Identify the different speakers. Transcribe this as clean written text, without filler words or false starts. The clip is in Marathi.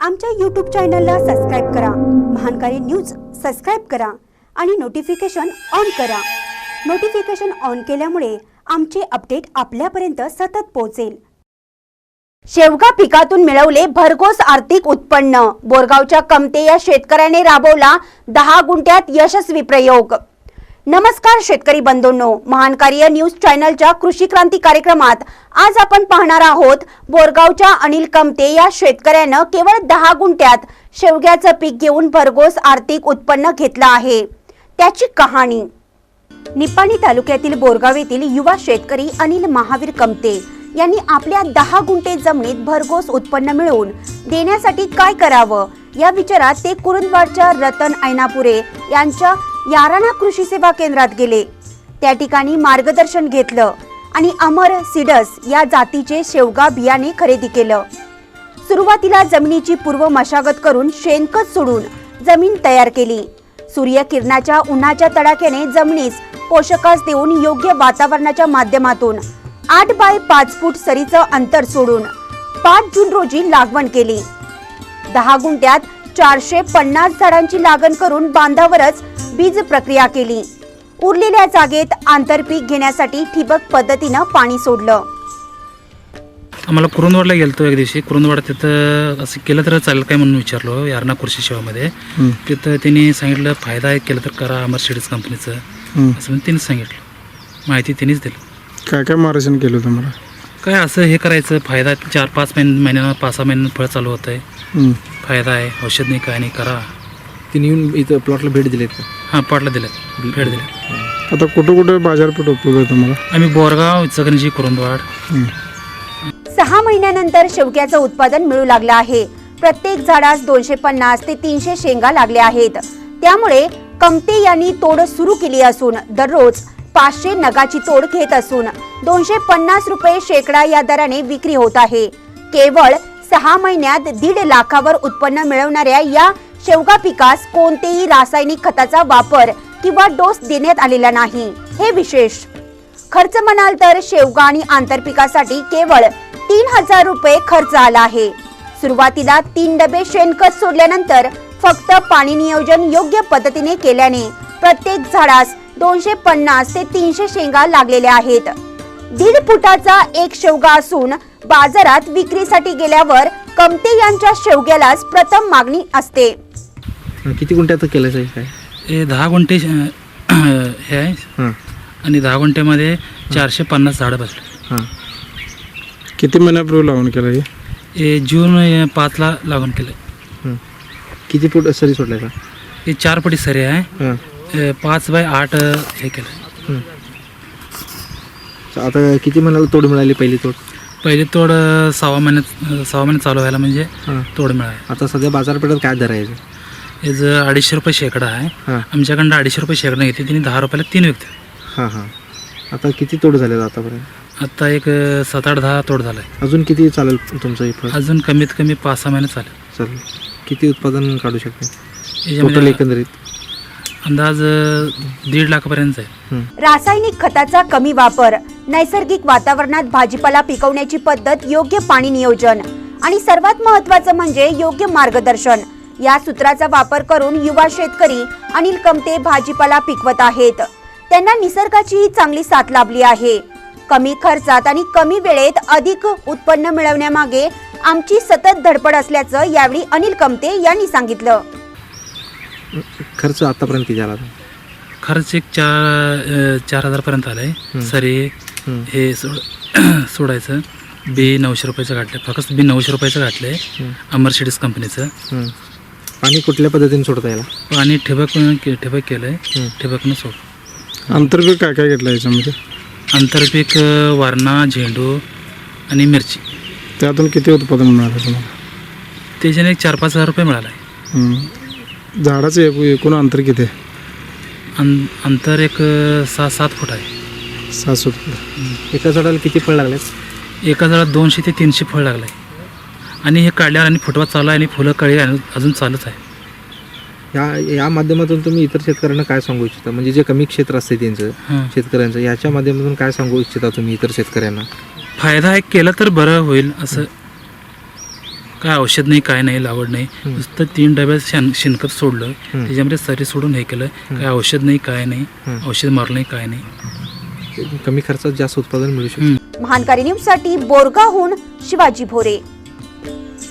Speaker 1: आमच्या YouTube चॅनलला सबस्क्राइब करा, महानकारी न्यूज सबस्क्राइब करा आणि नोटिफिकेशन ऑन करा। नोटिफिकेशन ऑन केल्यामुळे आमचे अपडेट आपल्यापर्यंत सतत पोहोचेल। शेवगा पिकातून मिळवले भरघोस आर्थिक उत्पन्न। बोरगावच्या कमते या शेतकऱ्याने राबवला 10 गुंठ्यात यशस्वी प्रयोग। नमस्कार शेतकरी बंधूंनो, महानकारी न्यूज चॅनलच्या कृषी क्रांती कार्यक्रमात आज आपण पाहणार आहोत बोरगावच्या अनिल कमते या शेतकऱ्याने केवळ 10 गुंठ्यात शेवग्याचे पीक घेऊन भरघोस आर्थिक उत्पन्न घेतले आहे, त्याची कहाणी। निपाणी तालुक्यातील बोरगाव येथील युवा शेतकरी अनिल महावीर कमते यांनी आपल्या 10 गुंठे जमिनीत भरघोस उत्पन्न मिळवून देण्यासाठी काय करावं या विचारात ते कुरुंदवाडच्या रतन ऐनापुरे यांच्या याराना कृषी सेवा केंद्रात गेले। त्या ठिकाणी मार्गदर्शन घेतलं आणि अमर सीड्स या जातीचे शेवगा बियाणे खरेदी केलं। सुरुवातीला जमिनीची पूर्व मशागत करून शेणखत सोडून जमीन तयार केली। सूर्यकिरणाच्या उन्हाच्या तडाख्याने जमिनीस पोषकास देऊन योग्य वातावरणाच्या माध्यमातून 8 बाय 5 फूट सरीचं अंतर सोडून 5 जून रोजी लागवण केली। 10 गुंठ्यात 450 झाडांची लागण करून बांधावरच बीज प्रक्रिया केली। उरलेल्या जागेत आंतरपीक घेण्यासाठी ठिबक पद्धतीने पाणी सोडलं।
Speaker 2: आम्हाला कुरुंदवाडला गेलतो एक दिवशी। कुरुंदवाड तिथं असं केलं तर चालेल काय म्हणून विचारलो यारणा कृषी सेवामध्ये। तिथं त्यांनी सांगितलं फायदा आहे केलं तर करा अमर सीड्स कंपनीचं असं म्हणून त्यांनी सांगितलं, माहिती त्यांनीच दिली।
Speaker 3: काय काय मार्गदर्शन केलं तुम्हाला?
Speaker 2: काय असं हे करायचं, फायदा 4-5 महिन्यांना 5-6 महिन्यांना फळ चालू होत आहे, फायदा आहे, औषध नाही काय नाही करा।
Speaker 4: तिने येऊन इथं प्लॉटला भेट दिलीत का?
Speaker 2: हां, प्लॉटला दिलेत, भेट दिली।
Speaker 3: आता कुठं कुठं बाजारपेठ उपलब्ध आहे तुम्हाला?
Speaker 2: आम्ही बोरगाव, इचलकरंजी, कुरुंदवाड।
Speaker 1: 6 महिन्यानंतर शेवग्याचं उत्पादन मिळू लागलं आहे। प्रत्येक झाडास 250 ते 300 शेंगा लागल्या आहेत। त्यामुळे कमते यांनी तोड सुरू केली असून दररोज 500 नगाची तोड घेत असून 250 रुपये शेकडा या दराने विक्री होत आहे। केवळ 6 महिन्यात 1.5 लाखावर उत्पन्न मिळवणाऱ्या या शेवगा पिकास कोणतेही रासायनिक खताचा वापर किंवा डोस देण्यात आलेला नाही, हे विशेष। खर्च म्हणाल तर शेवगा आणि आंतरपिकासाठी केवळ 3000 रुपये खर्च आला आहे। सुरुवातीला 3 डबे शेणखत सोडल्यानंतर फक्त पाणी नियोजन योग्य पद्धतीने केल्याने प्रत्येक झाडास 250 ते 300 शेंगा लागलेल्या आहेत। 1.5 फुटाचा एक शेवगा असून बाजारात विक्रीसाठी गेल्यावर कमते यांच्या शेवग्यालाच प्रथम मागणी असते।
Speaker 4: किती गुंठ्यात केलं काय?
Speaker 2: हे 10 गुंठे हे आहे आणि 10 गुंठ्यामध्ये 450 झाडं बसले।
Speaker 3: किती महिन्यापूर्वी लावून केलं?
Speaker 2: हे जून 5ला लागवण केलं।
Speaker 4: किती फूट सरी सोडलाय का?
Speaker 2: हे 4 फुटी सरी आहे, 5 बाय 8 हे केलं।
Speaker 4: आता किती महिन्याला तोड मिळाली पहिली तोड?
Speaker 2: पहिली तोड 6 महिन्यात चालू व्हायला म्हणजे तोड मिळाली।
Speaker 4: आता सध्या बाजारपेठेत काय दर आहे?
Speaker 2: याचं 250 रुपये शेकडा आहे। आमच्याकडनं 250 रुपये शेकडा घेतली, त्यांनी 10 रुपयाला 3 विकते।
Speaker 4: हां, आता किती तोड झाले आतापर्यंत?
Speaker 2: आता एक 7-8-10 तोड झालाय।
Speaker 4: अजून किती चालेल तुमचं हे फळ?
Speaker 2: अजून कमीत कमी 5-6 महिने चालेल।
Speaker 4: किती उत्पादन काढू शकते
Speaker 2: याच्यामध्ये?
Speaker 4: एकंदरीत
Speaker 2: अंदाज 1.5 लाखापर्यंत आहे।
Speaker 1: रासायनिक खताचा कमी वापर, नैसर्गिक वातावरणात भाजीपाला पिकवण्याची पद्धत, योग्य पाणी नियोजन आणि सर्वात महत्त्वाचं म्हणजे योग्य मार्गदर्शन या सूत्राचा वापर करून युवा शेतकरी अनिल कमते भाजीपाला पिकवत आहेत। त्यांना निसर्गाचीही चांगली साथ लाभली आहे। कमी खर्चात आणि कमी वेळेत अधिक उत्पन्न मिळवण्यामागे आमची सतत धडपड असल्याचं यावेळी अनिल कमते यांनी सांगितलं।
Speaker 4: खर्च आतापर्यंत किती झाला?
Speaker 2: खर्च एक 4,000 पर्यंत आलाय। सरी हे सोडायचं बी 900 रुपयाचं घातलं, फक्त बी 900 रुपयाचं घातलंय अमर सीड्स कंपनीचं।
Speaker 4: पाणी कुठल्या पद्धतीने सोडता याला?
Speaker 2: पाणी ठिबक केलंय, ठिबकनं सोड।
Speaker 3: आंतरपीक काय काय घेतलं याच्यामध्ये?
Speaker 2: आंतरपीक वारणा, झेंडू आणि मिरची।
Speaker 3: त्यातून किती उत्पादन मिळालं तुम्हाला?
Speaker 2: त्याच्याने एक 4-5 हजार रुपये मिळाला।
Speaker 3: झाडाचं एकूण अंतर किती आहे?
Speaker 2: अंतर एक 6-7 फूट आहे।
Speaker 3: 7 फूट।
Speaker 4: एका झाडाला किती फळ लागले?
Speaker 2: एका झाडाला 200 ते 300 फळ लागलंय आणि हे काढल्यावर आणि फुटवा चालू आहे आणि फुलं कळी अजून चालूच आहे।
Speaker 4: या माध्यमातून तुम्ही इतर शेतकऱ्यांना काय सांगू इच्छिता? म्हणजे जे कमी क्षेत्र असते त्यांचं शेतकऱ्यांचं, याच्या माध्यमातून काय सांगू इच्छिता तुम्ही इतर शेतकऱ्यांना?
Speaker 2: फायदा आहे केलं तर बरं होईल असं। काय औषध नाही, काय नाही, लागवड नाही. नुसतं 3 डब्यात शेणखत सोडलं, त्याच्यामध्ये सरी सोडून हे केलं. काय औषध नाही, काय नाही, औषध मारलं नाही, काय नाही.
Speaker 4: कमी खर्चात जास्त उत्पादन मिळू शकतं.
Speaker 1: महानकारी न्यूज साठी बोरगावहून शिवाजी भोरे.